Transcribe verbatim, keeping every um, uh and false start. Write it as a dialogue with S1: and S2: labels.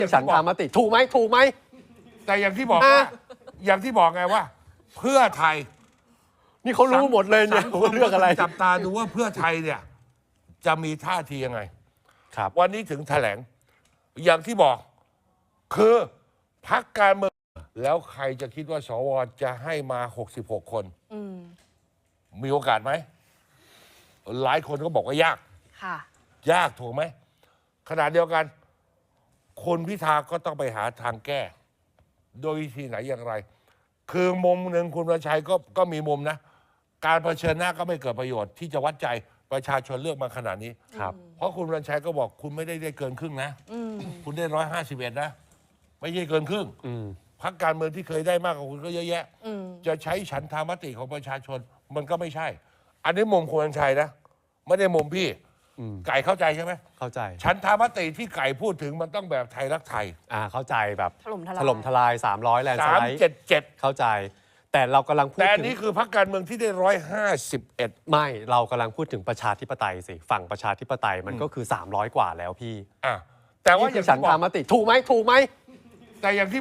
S1: ฉันทามติถูกไหมถูกไหม
S2: แต่อย่างที่บอกว่า อย่างที่บอกไงว่า เพื่อไทย
S1: นี่เขารู้หมดเลยเนี่ย
S2: สังคม
S1: ว่าเรื่องอะไร
S2: จับตาดูว่าเพื่อไทยเนี่ย จะมีท่าทียังไง
S1: ครับ
S2: วันนี้ถึงแถลง อย่างที่บอก คือพรรคการเมืองแล้วใครจะคิดว่าสวจะให้มาหกสิบหกคน
S3: อืม
S2: มีโอกาสไหม หลายคนก็บอกว่ายาก
S3: ค่ะ
S2: ยากถูกไหมขณะเดียวกันคนพิธาก็ต้องไปหาทางแก้ โดยวิธีไหนอย่างไร คือมุมหนึ่งคุณประชัยก็ก็มีมุมนะ การเผชิญหน้าก็ไม่เกิดประโยชน์ที่จะวัดใจประชาชนเลือกมาขนาดนี้
S1: ครับ
S2: เพราะคุณประชัยก็บอกคุณไม่ได้ได้เกินครึ่งนะ
S3: อืม
S2: คุณได้ร้อยห้าสิบเอ็ดนะ ไม่ใช่เกินครึ่ง
S1: อืม
S2: พรรคการเมืองที่เคยได้มากกว่าคุณก็เยอะแยะ
S3: อืม
S2: จะใช้ฉันทามติของประชาชนมันก็ไม่ใช่ อันนี้มุมคุณประชัยนะ ไม่ได้มุมพี่
S1: อืม
S2: ไก่เข้าใจใช่ไหม
S1: เข้าใจ
S2: ฉันทามติที่ไก่พูดถึงมันต้องแบบไทยรักไทย
S1: อ่าเข้าใจแบบ
S3: ถล่มทลาย
S1: ถล่มทลายสามร้อยแลนด์ส
S2: สาม
S1: ไลด์
S2: เจ็ดเจ็ด
S1: เข้าใจ แต่เรากำลังพูด
S2: แต่อัน
S1: ถึง
S2: นี้คือพรรคการเมืองที่ได้ร้อยห้าสิบเอ็ด
S1: ไม่เรากำลังพูดถึงประชาธิปไตยสิฝั่งประชาธิปไตยมันก็คือสามร้อยกว่าแล้วพี่
S2: อ่ะแต่ว่า
S1: นี่
S2: อ
S1: คื
S2: ย่า
S1: อง ฉัน
S2: ที่บอ
S1: ทาก มติถูกไหมถูกไหม
S2: แต่อย่างที่